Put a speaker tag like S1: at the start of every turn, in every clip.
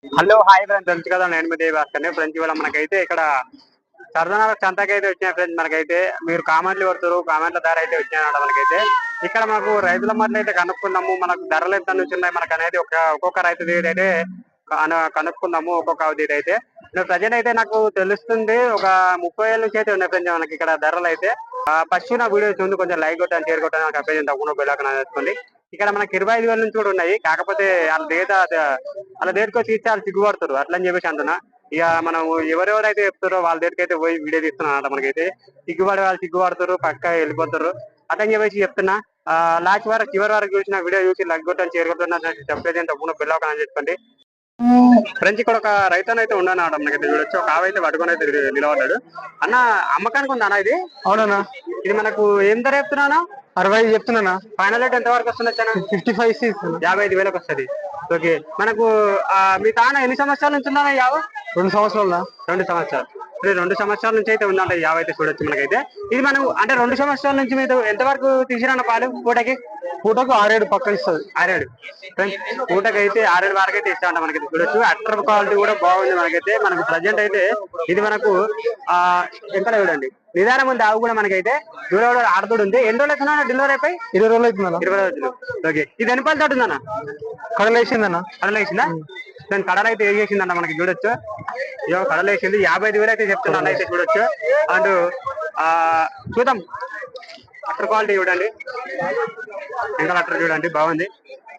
S1: Hello hi friends, తెలుసు కదా నేను మీ దేవాస్కర్ని. ఫ్రెండ్స్ ఇవాళ మనకైతే ఇక్కడ సరదాన సంతకైతే వచ్చినాయి ఫ్రెండ్స్. మనకైతే మీరు కామెంట్లు కొడుతారు, కామెంట్ల ధర అయితే వచ్చినాయన్నమాట. మనకైతే ఇక్కడ మనకు రైతుల మధ్య అయితే కనుక్కుందాము, మనకు ధరలు ఎంత నుంచి ఉన్నాయి మనకు అనేది ఒక్కొక్క రైతు దగ్గర అయితే కనుక్కుందాము. ఒక్కొక్క దగ్గర అయితే ప్రజెంట్ అయితే నాకు తెలుస్తుంది ఒక 30,000 నుంచి అయితే ఉన్నాయి ఫ్రెండ్స్ మనకి ఇక్కడ ధరలు అయితే. ఫస్ట్ నా వీడియో చూసి కొంచెం లైక్ కొట్టాను, షేర్ కొట్టాను, నాకు అభ్యర్థం తప్పకుండా బెల్లాకన చేసుకోండి. ఇక్కడ మనకి 25,000 నుంచి కూడా ఉన్నాయి. కాకపోతే వాళ్ళ దగ్గరికి వచ్చి ఇచ్చి వాళ్ళు సిగ్గుపడతారు, అట్లా అని చెప్పేసి అంటున్నా. ఇక మనం ఎవరెవరైతే చెప్తారో వాళ్ళ దగ్గరికి అయితే పోయి వీడియో తీస్తున్నాం అన్నమాట. మనకైతే వాళ్ళు సిగ్గుపడతారు, పక్క వెళ్ళిపోతారు, అట్లా అని చెప్పేసి చెప్తున్నా. లాస్ట్ వరకు చివరి వరకు చూసిన వీడియో చూసి లైక్ కొట్టాను, షేర్ కొట్టాను, చెప్పేది తప్పకుండా బెల్లాకన అని చెప్పండి. ఫ్రెండ్స్ ఇక్కడ ఒక రైతు అయితే ఉన్నాడు మనకైతే చూడొచ్చు. ఒక ఆవైతే పట్టుకొని అయితే నిలబడ్డాడు. అన్న అమ్మకానికి ఉందా అన్న ఇది? అవునన్నా. ఇది మనకు ఏం ధర చెప్తున్నా? 65 చెప్తున్నా. ఫైనల్ రేట్ ఎంత వరకు వస్తుంది? 55, 55,000 వస్తుంది. ఓకే, మనకు మీ తాన ఎన్ని సంవత్సరాల నుంచి ఉందా యావ? 2 సంవత్సరాలు. 2 సంవత్సరాలు. 2 సంవత్సరాల నుంచి అయితే ఉందంట యావ అయితే చూడొచ్చు మనకైతే. ఇది మనం అంటే 2 సంవత్సరాల నుంచి మీరు ఎంత వరకు తీసిరన్న పాలు? పూటకు 6-7 పక్క ఇస్తుంది. 6-7 పూటకి అయితే 6-7 వరకు అయితే ఇస్తా ఉంటా మనకైతే చూడొచ్చు. అట్టర్ క్వాలిటీ కూడా బాగుంది మనకైతే. మనకు ప్రజెంట్ అయితే ఇది మనకు ఎంత చూడండి నిదానం ఉంది. ఆవు కూడా మనకైతే దూరం ఆడుతూ ఉంది. ఎన్ని రోజులు అవుతున్నా డెలివరీ అయిపోయి? 20 రోజులు అవుతుందా? 20 రోజులు. ఓకే, ఇది ఎన్ని పాలు తోటి ఉందన్న? కడలేసిందన్న. కడలేసిందా? దాని కడలు అయితే వేసేసిందన్న మనకి చూడొచ్చు. కడలేసింది. 55,000 అయితే చెప్తున్నాను అయితే చూడొచ్చు. అండ్ చూద్దాం అట్టర్ క్వాలిటీ చూడండి, ఇంకా అట్టర్ చూడండి బాగుంది.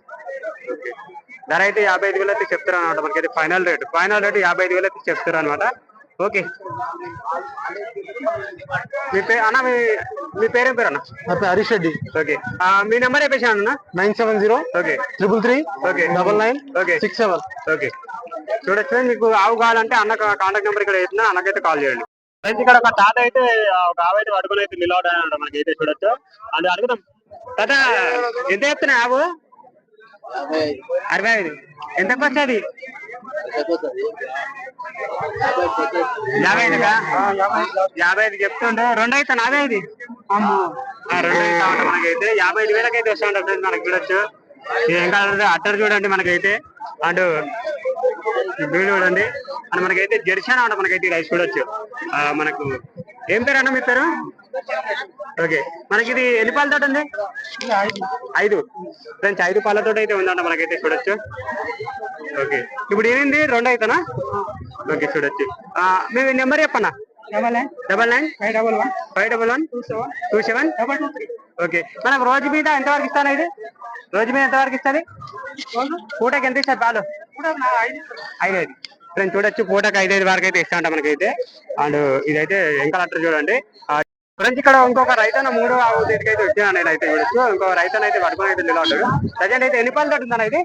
S1: ధర అయితే 55,000 అయితే చెప్తారు అనమాట మనకైతే. ఫైనల్ రేట్ 55,000 అయితే చెప్తారు అనమాట. ఓకే, అన్న మీ పేరేం పేరు అన్న? హరీష్ రెడ్డి. ఓకే, మీ నెంబర్ చెప్పేసి అన్న. 970 ఓకే 333 ఓకే 99 ఓకే 67. ఓకే, చూడొచ్చు. మీకు ఆవు కావాలంటే అన్న కాంటాక్ట్ నెంబర్ ఇక్కడ వేసిన అన్నకైతే కాల్ చేయండి. ఫ్రెండ్స్ ఇక్కడ ఒక తాత అయితే ఒక ఆవు అయితే పడుకుని అయితే నిలబడాలంట మనకైతే చూడొచ్చు. అది అడుగుదాం. తాత ఎంత చెప్తున్నాయి ఆవు? 65. ఎంతకు వచ్చేది? 55 చెప్తుండే. 2 అయితే 45. 2 అయితే మనకైతే 55,000 అయితే వస్తా ఉంటారు ఫ్రెండ్స్ మనకి చూడొచ్చు. ఇంకా అట్టర్ చూడండి మనకైతే. అండ్ వీడు చూడండి. అండ్ మనకైతే జెర్సీ అనమాట మనకైతే రైస్ చూడొచ్చు. మనకు ఏం పేరు అన్న మీ పేరు? ఓకే, మనకి ఇది ఎన్ని పాలతో ఉంది? 5 ఫ్రెండ్స్. 5 పాలతో అయితే ఉందంట మనకైతే చూడొచ్చు. ఓకే, ఇప్పుడు ఏమైంది? 2 అయితేనా? ఓకే, చూడొచ్చు. మీ నెంబర్ చెప్పన్నా. 9951512727. ఓకే, మనకు రోజు మీద ఎంతవరకు ఇస్తాను ఇది? రోజు మీద ఎంతవరకు ఇస్తుంది? పూటకి ఎంత ఇస్తారు పాలు? 5 ఫ్రెండ్స్ చూడొచ్చు. పూటకి 5 వరకు అయితే ఇస్తా ఉంటా మనకైతే. అండ్ ఇదైతే ఇంకా అట్టర్ చూడండి. ఫ్రెండ్స్ ఇక్కడ ఇంకొక రైతన్న 3వ ఆవు దగ్గరికి అయితే వచ్చాను నేను అయితే చూడొచ్చు. ఇంకొక రైతన్న అయితే పట్టుకొని అయితే నిలబడ్డాడు. ప్రజెంట్ అయితే ఎన్ని పాలు తోటి ఉందా ఇది?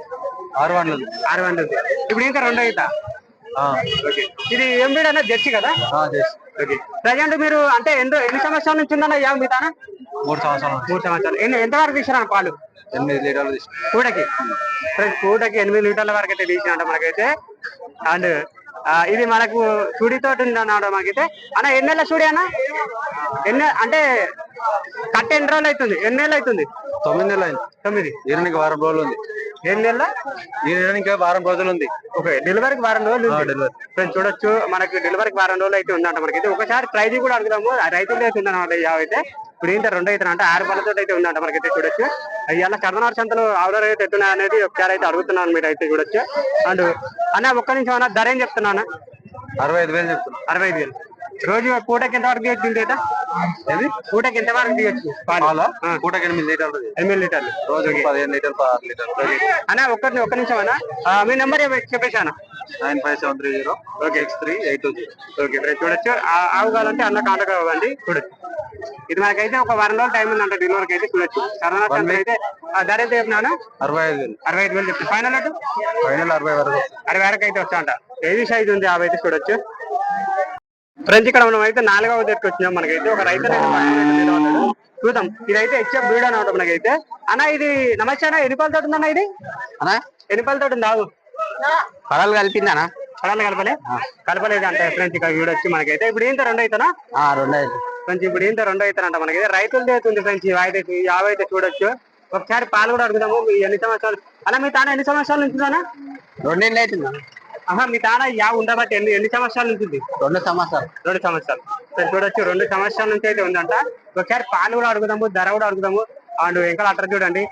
S1: 600. ఇప్పుడు ఇంకా 2 అవుతా. ఓకే, ఇది ఏం బ్రీడ్ అన్న? జెర్సీ కదా? ఓకే, ప్రజెంట్ మీరు అంటే ఎన్ని సంవత్సరాల నుంచి ఉందన్న యావ మీ తాన? 3 సంవత్సరాలు. ఎంత వరకు తీసినా పాలు? 8 లీటర్లు పూటకి. పూటకి 8 లీటర్ల వరకు అయితే తీసినట్ట మనకైతే. అండ్ ఇది మనకు సుడితోటి ఉందన్నమాట మనకైతే. అన్న ఎన్ని నెలల సుడి అన్న? అంటే కట్ట ఎన్ని రోజులు అవుతుంది? ఎన్ని నెలలు అవుతుంది? 9 నెలలు అయింది. 9. ఈయనకి వారం రోజులు ఉంది. 7 నెలల ఈయనకి వారం రోజులు ఉంది. ఓకే, డెలివరీకి వారం రోజులు ఫ్రెండ్స్ చూడొచ్చు. మనకి డెలివరీకి వారం రోజులు అయితే ఉందంట మనకైతే. ఒకసారి ప్రైజ్ కూడా అడుగుదాము. రైతులు అయితే ఉందన్నమాట అయితే. ఇప్పుడు ఏంటంటే 2 అయితే అంటే 6 పళ్ళతో అయితే ఉందంట మనకైతే చూడొచ్చు. ఇలా కర్ణాటక సంతలు ఆవుల రేట్ ఎట్టున్నాయి అనేది ఒకసారి అయితే అడుగుతున్నాను మీరు అయితే చూడొచ్చు. అండ్ అన్న ఒక్క నిమిషం అన్న, ధర ఏం చెప్తున్నా? 65,000 చెప్తున్నా. 65,000. రోజు పూటకి ఎంత వరకు తీయచ్చు? ఇంత పూటకి ఎంత వరకు తీయచ్చు పాలు? పూటకి 8 లీటర్లు. 8 లీటర్లు రోజు 15 లీటర్లు 6 లీటర్లు. అన్న ఒక్క నిమిషం అన్న, మీ నెంబర్ చెప్పేసి అన్న. 9573 ఓకే 6382. ఓకే ఫ్రెండ్స్ చూడొచ్చు. ఆవు కావాలంటే అన్న కాంటాక్ట్ అవ్వండి. చూడొచ్చు. ఇది మనకైతే ఒక వారం రోజులు టైం ఉందంట డెలివరీకి అయితే చూడొచ్చు. కర్ణాటక అయితే ధర అయితే చెప్పినా 65,000 చెప్తాను. ఫైనల్ 60 వరకు అయితే వస్తా అంట. ఏది సైజ్ ఉంది ఆవు అయితే చూడొచ్చు. ఫ్రెండ్స్ ఇక్కడ మనం అయితే 4వ దగ్గరికి వచ్చినాం. మనకైతే ఒక రైతు చూద్దాం. ఇదైతే హెచ్ఎఫ్ బ్రీడ్ అనమాట మనకైతే. అన్న ఇది నమస్తే అన్న, ఎన్ని పాలతో ఉందన్న ఇది? అన్న ఎన్ని పాలతో ఉంది ఆవు? కడలు కలిపిందనా? కడలు కలపలేదు అంటే ఫ్రెండ్స్ ఇక్కడ చూడొచ్చు మనకైతే. ఇప్పుడు ఏంటో 2 అవుతానా? 2 అయితే ఫ్రెండ్స్. ఇప్పుడు ఏంటో 2 అవుతానంట మనకైతే. రైతులది అవుతుంది ఫ్రెండ్స్. ఈ ఆవు అయితే చూడొచ్చు. ఒకసారి పాలు కూడా అడుగుదాము. ఎన్ని సంవత్సరాలు అలా మీ తాన ఎన్ని సంవత్సరాల నుంచి ఉందా?
S2: 2 ఏళ్ళు అవుతుందా?
S1: ఆహా, మీ తాన ఉండబట్టి ఎన్ని సంవత్సరాల నుంచి ఉంది?
S2: 2 సంవత్సరాలు.
S1: 2 సంవత్సరాలు. చూడొచ్చు 2 సంవత్సరాల నుంచి అయితే ఉందంట. ఒకసారి పాలు కూడా అడుగుదాము, ధర కూడా అడుగుదాము. అండ్ ఇంకా అట్లా చూడండి.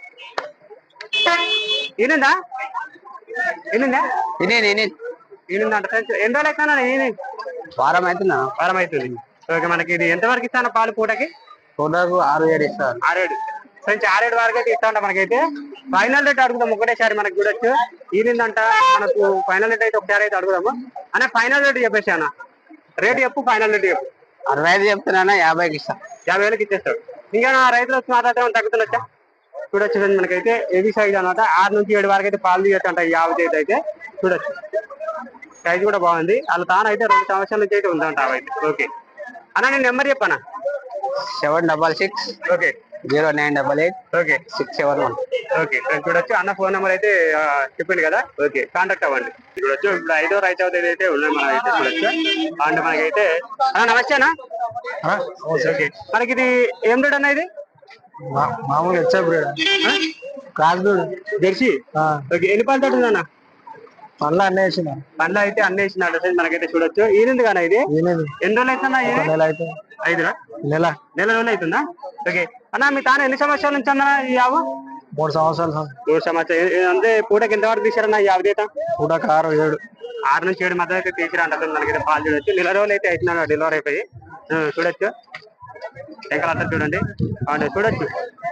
S1: ఈనిందా ఈనిందా ఈనిందంట. ఎన్ని రోజులు అవుతున్నా ఈయన?
S2: వారం అవుతుందా?
S1: వారం అవుతుంది. ఓకే, మనకి ఇది ఎంతవరకు ఇస్తాను పాలు పూటకి?
S2: 6-7 ఇస్తారు.
S1: 6-7 ఫ్రెండ్స్, 6-7 వరకు అయితే ఇస్తా ఉంటా. మనకైతే ఫైనల్ రేట్ అడుగుదాం ఒకటేసారి. మనకి చూడొచ్చు ఈనిందంట. మనకు ఫైనల్ రేట్ అయితే ఒకసారి అయితే అడుగుదాము. అన్న ఫైనల్ రేట్ చెప్పేసి అన్న, రేట్ చెప్పు, ఫైనల్ రేట్ చెప్పు.
S2: 65 చెప్తున్నా, 50కి ఇస్తా.
S1: 50,000కి ఇచ్చేస్తాడు. ఇంకా రైతులు వచ్చి మాట్లాడితే తగ్గుతుండొచ్చా? చూడొచ్చు మనకైతే హెవీ సైజ్ అనమాట. 6 నుంచి 7 వరకు అయితే పాలు తీయచ్చు అంట ఈ ఆవు చేతి అయితే. చూడొచ్చు సైజ్ కూడా బాగుంది. వాళ్ళ తానైతే 2 సంవత్సరాల నుంచి అయితే ఉందంట అవైతే. ఓకే అన్న, నేను నెంబర్ చెప్పానా?
S2: 766
S1: ఓకే
S2: 0988
S1: ఓకే
S2: 671.
S1: ఓకే, చూడొచ్చు అన్న ఫోన్ నెంబర్ అయితే చెప్పింది కదా. ఓకే, కాంటాక్ట్ అవ్వండి. చూడొచ్చు ఇప్పుడు 5వ రైతు అయితే ఉన్నాయి మనం అయితే. చూడొచ్చు అండ్ మనకైతే అన్న నమస్తే అన్న. ఓకే, మనకి ఇది ఏం రేట్ అన్న? ఇది
S2: మామూలుగా క్రాస్ బ్రీడ్
S1: జెర్సీ. ఓకే, ఎన్ని పాలు తోటి ఉందన్న?
S2: పండ్లు అన్నీ వేసిన.
S1: పండ్లు అయితే అన్ని వేసినాడు మనకైతే. చూడొచ్చు ఈనింది కానీ ఇది ఎన్ని రోజులు అవుతుందా?
S2: నెల
S1: రోజులు అవుతుందా? ఓకే అన్న, మీ తాను ఎన్ని సంవత్సరాల నుంచి అన్న ఈ ఆవు?
S2: 3 సంవత్సరాలు.
S1: 3 సంవత్సరాలు. అంటే పూటకి ఎంతవరకు తీసారన్న ఈ ఆవు చేత?
S2: పూటకి
S1: 6 నుంచి 7 మధ్య అయితే తీసిరా అంటారు. మనకైతే పాలు చూడొచ్చు. నెల రోజులు అయితే అవుతున్నాను డెలివరీ అయిపోయి. చూడొచ్చు ఎక్కడ అంతా చూడండి. అండ్ చూడొచ్చు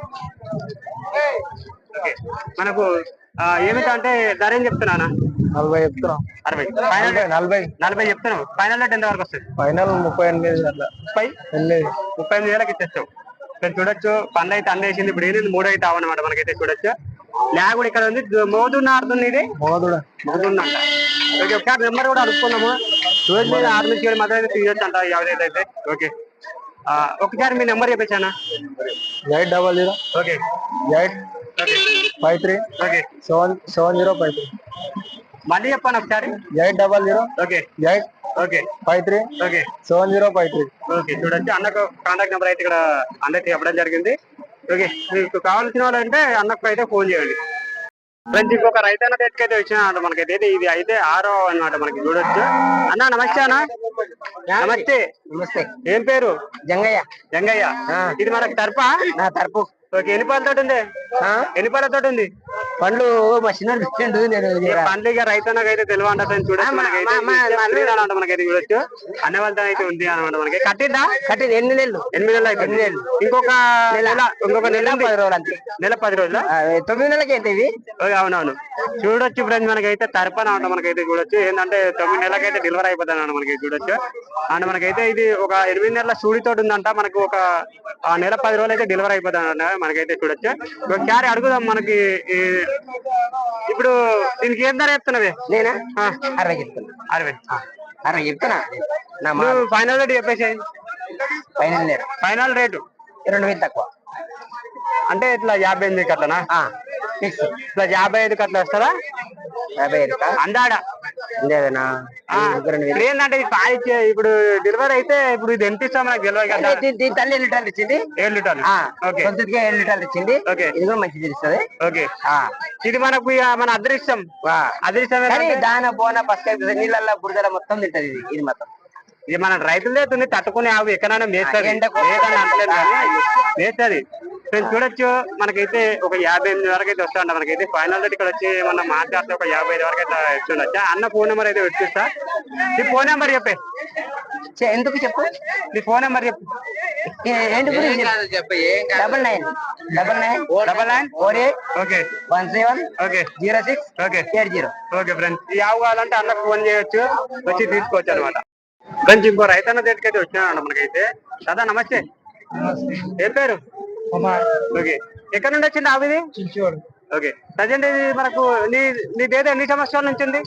S1: ఓకే, మనకు ఏమిటంటే ధర ఏం చెప్తున్నా?
S2: 40 చెప్తున్నాం.
S1: 40 చెప్తున్నావు. ఫైనల్ రేట్ ఎంత వరకు వస్తుంది?
S2: ఫైనల్ 38 అట్లా.
S1: 38,000కి ఇచ్చేస్తావు. చూడొచ్చు పండ్లు అయితే అందేసింది. ఇప్పుడు ఏంటి 3 అయితే అవన్నమాట మనకైతే. చూడొచ్చు ల్యాగ్ కూడా ఇక్కడ ఉంది. మోదున్న ఆడుతుంది ఇది. మోదున్న అంట. ఓకే, ఒకసారి నెంబర్ కూడా అడుక్కున్నాము. రోజు మీద 6 నుంచి 7 మధ్య అయితే తీయొచ్చు అంట ఎవరైతే అయితే. ఓకే, ఒకసారి మీ నెంబర్ చెప్పేసానా?
S2: 800
S1: ఓకే
S2: 853
S1: ఓకే
S2: 7053.
S1: మళ్ళీ చెప్పాను ఒకసారి.
S2: 800
S1: ఓకే
S2: 8
S1: ఓకే
S2: 53
S1: ఓకే
S2: 7053.
S1: ఓకే, చూడొచ్చు అన్నకు కాంటాక్ట్ నెంబర్ అయితే ఇక్కడ అందరికి చెప్పడం జరిగింది. ఓకే, మీకు కావాల్సిన వాళ్ళు అంటే అన్నకు అయితే ఫోన్ చేయండి. ఫ్రెండ్స్, ఇంకొక రైతన్న దగ్గరికి వచ్చిన మనకైతే. ఇది అయితే 6వ అన్నమాట మనకి. చూడొచ్చు అన్న. నమస్తే అన్న. నమస్తే. ఏం పేరు? జంగయ్య. ఇది మనకి తరపా?
S2: తరపు.
S1: ఓకే, ఎన్ని పాలతోటి ఉంది? ఎన్ని పాలతోటి ఉంది?
S2: పండ్లు మషిన్
S1: పండ్లు ఇక రైతన్నకు అయితే తెలివ అంట. చూడొచ్చు మనకైతే మనకైతే. చూడొచ్చు అన్న వాళ్ళతో అయితే ఉంది అనమాట. మనకి కట్టిద్దా?
S2: 8 నెలలు.
S1: 8 నెలలు అయితే. ఇంకొక నెల 10 రోజులు అంతే. నెల 10 రోజులు.
S2: 9 నెలలకి అయితే ఇవి.
S1: అవునవును. చూడొచ్చు ఫ్రెండ్స్, మనకైతే తరపన అంట మనకైతే. చూడొచ్చు ఏంటంటే 9 నెలలకైతే డెలివరీ అయిపోతుంది అన్నమాట మనకి. చూడొచ్చు అండ్ మనకైతే ఇది ఒక 8 నెలల సూడితోటి ఉందంట. మనకు ఒక నెల 10 రోజులు అయితే డెలివరీ అయిపోతుంది అన్న మనకైతే. చూడొచ్చు ఒకసారి అడుగుదాం. మనకి ఇప్పుడు దీనికి ఏం ధర చెప్తున్నావే?
S2: నేనా 60 చెప్తున్నా. 60 చెప్తున్నా.
S1: ఫైనల్ రేట్ చెప్పేసి. ఫైనల్ రేటు
S2: 2,000 తక్కువ.
S1: అంటే ఇట్లా 58 అట్లనా? ఇట్లా 55 అట్లా వస్తారా?
S2: 55
S1: అందాడా ఏంటంటే ఇప్పుడు డెలివరీ అయితే ఇప్పుడు ఇది ఎంత ఇస్తాం మనకు తెలియదు కదా.
S2: దీని తల్లి 7 లీటర్లు ఇచ్చింది.
S1: 7 లీటర్లు. ఓకే,
S2: 7 లీటర్లు ఇచ్చింది.
S1: ఓకే,
S2: ఇది కూడా మంచిది ఇస్తుంది.
S1: ఓకే, ఇది మనకు మన అదృష్టం.
S2: దాన బోన పసుక నీళ్ళల్లో బురదల మొత్తం తింటది. ఇది మొత్తం
S1: ఇది మన రైతులే తుంది. తట్టుకునే ఆవు ఎక్కడైనా మేస్తుంది. మేస్తుంది. చూడొచ్చు మనకైతే ఒక 58 వరకు అయితే వస్తా. మనకైతే ఫైనల్ రేట్ ఇక్కడ వచ్చి మన మాట్లాడితే ఒక 55 వరకు అయితే ఇస్తుండొచ్చా. అన్న ఫోన్ నెంబర్ అయితే వచ్చిస్తా. నీ ఫోన్ నెంబర్ చెప్పే.
S2: ఎందుకు చెప్పు?
S1: నీ ఫోన్ నెంబర్ చెప్పు.
S2: ఏంటి గురించి? 999948
S1: okay
S2: 17
S1: okay
S2: 06
S1: okay
S2: 80.
S1: Okay friends, ఈ ఆవు కావాలంటే అన్నకు ఫోన్ చేయొచ్చు, వచ్చి తీసుకోవచ్చు అనమాట. ఫ్రెండ్స్, ఇంకో రైతన్న దగ్గరికి అయితే వచ్చినాడు మనకైతే. దాదా నమస్తే. ఏం పేరు? ఓకే, ఎక్కడ నుండి వచ్చింది ఆవు ఇది? ఓకే, ప్రజెంట్ ఇది మనకు నీ దేదో ఎన్ని సంవత్సరాల నుంచి ఉంది?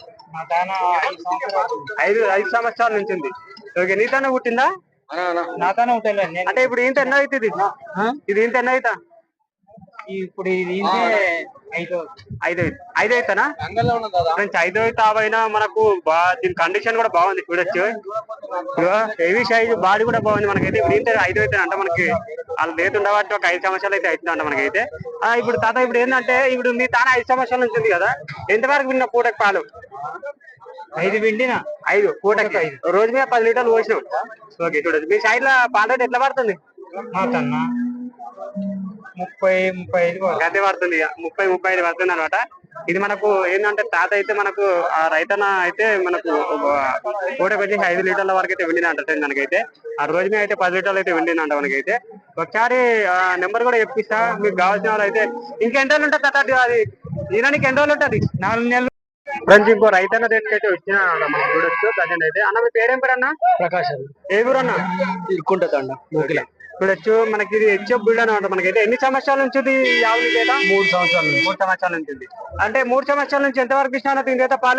S1: 5 సంవత్సరాల నుంచి ఉంది. ఓకే, నీతోనే పుట్టిందా?
S2: నాతోనే ఉంటుంది.
S1: అంటే ఇప్పుడు ఇంత ఎన్న అవుతుంది? ఇది ఇంత ఎన్న అవుతా?
S2: ఇప్పుడు ఇది 5
S1: అవుతానా? ఫ్రెండ్స్ 5 అవుతా. మనకు దీని కండిషన్ కూడా బాగుంది. చూడొచ్చు హెవీ సైజ్ బాడీ కూడా బాగుంది మనకైతే. ఇప్పుడు ఏంటంటే 5 అయితే అంట మనకి వాళ్ళు రేట్ ఉండబట్టి ఒక 5 సంవత్సరాలు అయితే అవుతుందంట మనకైతే. ఇప్పుడు తాత ఇప్పుడు ఏంటంటే ఇప్పుడు మీ తాన 5 సంవత్సరాల నుంచి ఉంది కదా, ఎంతవరకు విన్న పూటకి పాలు?
S2: 5 పిండిన
S1: 5 పూటకి 5 రోజు మీద 10 లీటర్లు పోసినాం. ఓకే చూడదు మీ సైడ్ లో పాల రేట్ ఎట్లా పడుతుంది?
S2: మాకన్నా 30-35
S1: గంటే పడుతుంది, 30-35 పడుతుంది అనమాట. ఇది మనకు ఏంటంటే తాత అయితే మనకు ఆ రైతన్న అయితే మనకు పూటకి వచ్చి 5 లీటర్ల వరకు అయితే వెండినంట మనకైతే. ఆ రోజు మీద అయితే 10 లీటర్లు అయితే వెండినంట మనకైతే. ఒకసారి నెంబర్ కూడా చెప్పిస్తా మీకు కావాల్సిన వాళ్ళు అయితే. ఇంకెన్ని రోజులు ఉంటుంది తాత అది ఈయనకి ఎన్ని రోజులు ఉంటుంది?
S2: 4 నెలలు.
S1: ఫ్రెండ్స్ ఇంకో రైతన్న దగ్గరికి అయితే వచ్చిన మనం చూడొచ్చు ప్రజెంట్ అయితే. అన్న మీ పేరేం పేరు అన్న?
S2: ప్రకాశ్
S1: ఏ ఊరు అన్న?
S2: ఇరుక్కుంటుందండ మూకిల.
S1: చూడొచ్చు మనకి ఇది హెచ్ఎఫ్ బిల్డ్ అనమాట మనకైతే. ఎన్ని సంవత్సరాల నుంచి ఇది ఆవులు లేదా?
S2: 3 సంవత్సరాలు.
S1: 3 సంవత్సరాల నుంచి ఉంది. అంటే 3 సంవత్సరాల నుంచి ఎంత వరకు ఇచ్చినా దీని పాలు?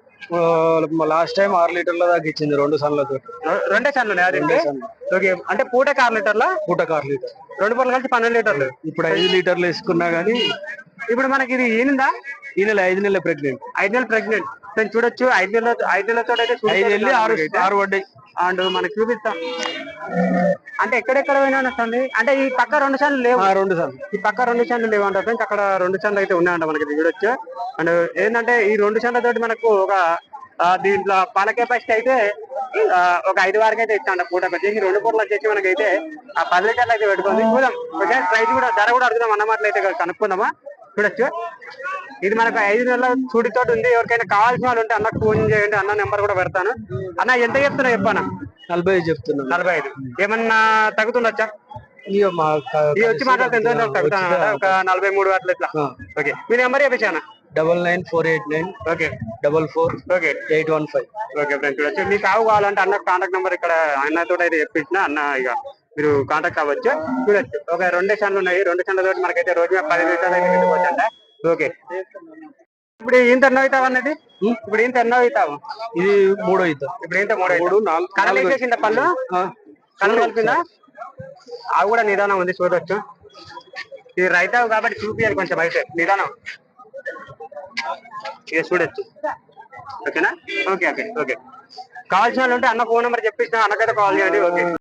S2: లాస్ట్ టైం 6 లీటర్ల దాకా ఇచ్చింది 2 సన్లతో.
S1: 2 సన్లు అదేంటి? ఓకే అంటే పూటకి 6 లీటర్ల?
S2: పూటకు 6 లీటర్.
S1: 2 పూటలు కలిసి 12 లీటర్లు.
S2: ఇప్పుడు 5 లీటర్లు వేసుకున్నా గానీ.
S1: ఇప్పుడు మనకి ఇది ఈనిందా?
S2: ఈ నెల 5 నెలల ప్రెగ్నెంట్.
S1: 5 నెలలు ప్రెగ్నెంట్. చూడొచ్చు 5 నెలలతో అయితే
S2: 5 వెళ్ళి 6 పడ్డాయి.
S1: అండ్ మనకి చూపిస్తాం. అంటే ఎక్కడెక్కడ పోయినా వస్తుంది. అంటే ఈ పక్క 2 సన్లు లేవు.
S2: 2 సన్లు
S1: ఈ పక్క 2 సన్లు లేవు అంట ఫ్రెండ్స్. అక్కడ 2 సన్లు అయితే ఉన్నాయంట మనకి చూడొచ్చు. అండ్ ఏంటంటే ఈ 2 సన్ల తోటి మనకు ఒక దీంట్లో పాల కెపాసిటీ అయితే ఒక 5 వరకు అయితే ఇస్తాంట పూటకు వచ్చేసి. 2 పూటలు వచ్చేసి మనకైతే ఆ 10 లీటర్లు అయితే పెట్టుకుంది. చూద్దాం ప్రైస్ కూడా ధర కూడా అడుగుదాం అన్నమాటలు అయితే కనుక్కుందామా. చూడొచ్చు ఇది మనకు 5 నెలల చూడితో ఉంది. ఎవరికైనా కావాల్సిన వాళ్ళు ఉంటే అన్నకు ఫోన్ చేయండి, అన్న నెంబర్ కూడా పెడతాను. అన్న ఎంత చెప్తున్నా చెప్పాను?
S2: 45 చెప్తున్నా.
S1: 45 ఏమన్నా తగ్గుతుండొచ్చా?
S2: ఇక
S1: ఇది వచ్చి మాట్లాడితే ఎంత తగ్గుతాను ఒక 43 అట్లా ఇట్లా. ఓకే మీ నెంబర్ చెప్పేసాను.
S2: 99489
S1: ఓకే
S2: 44
S1: ఓకే
S2: 815.
S1: ఓకే ఫ్రెండ్స్ చూడొచ్చు. మీకు కావు కావాలంటే అన్న కాంటాక్ట్ నెంబర్ ఇక్కడ అన్నతో అయితే చెప్పించిన అన్న ఇక మీరు కాంటాక్ట్ అవ్వచ్చు. చూడొచ్చు ఒక 2 సన్లు ఉన్నాయి. 2 సన్ల తోటి మనకైతే రోజు 10 లీటర్లు అయితే వెళ్ళిపోవచ్చంట. ఓకే ఇప్పుడు ఇంత ఎన్నో అవుతావు అన్నది? ఇప్పుడు ఇంత ఎన్నో అవుతావు?
S2: ఇది 3 అవుతావు.
S1: ఇప్పుడు ఇంత 3 కళ్ళు వేసేసిందా? పళ్ళు కళ్ళు కలిపిందా? అవి కూడా నిదానం ఉంది చూడొచ్చు. ఇది రైతావు కాబట్టి చూపియాలి కొంచెం అయితే నిదానం. ఇక చూడొచ్చు. ఓకేనా? ఓకే ఓకే ఓకే కావాల్సిన వాళ్ళు ఉంటే అన్న ఫోన్ నెంబర్ చెప్పిస్తున్నా, అన్నకైతే కాల్ చేయండి. ఓకే.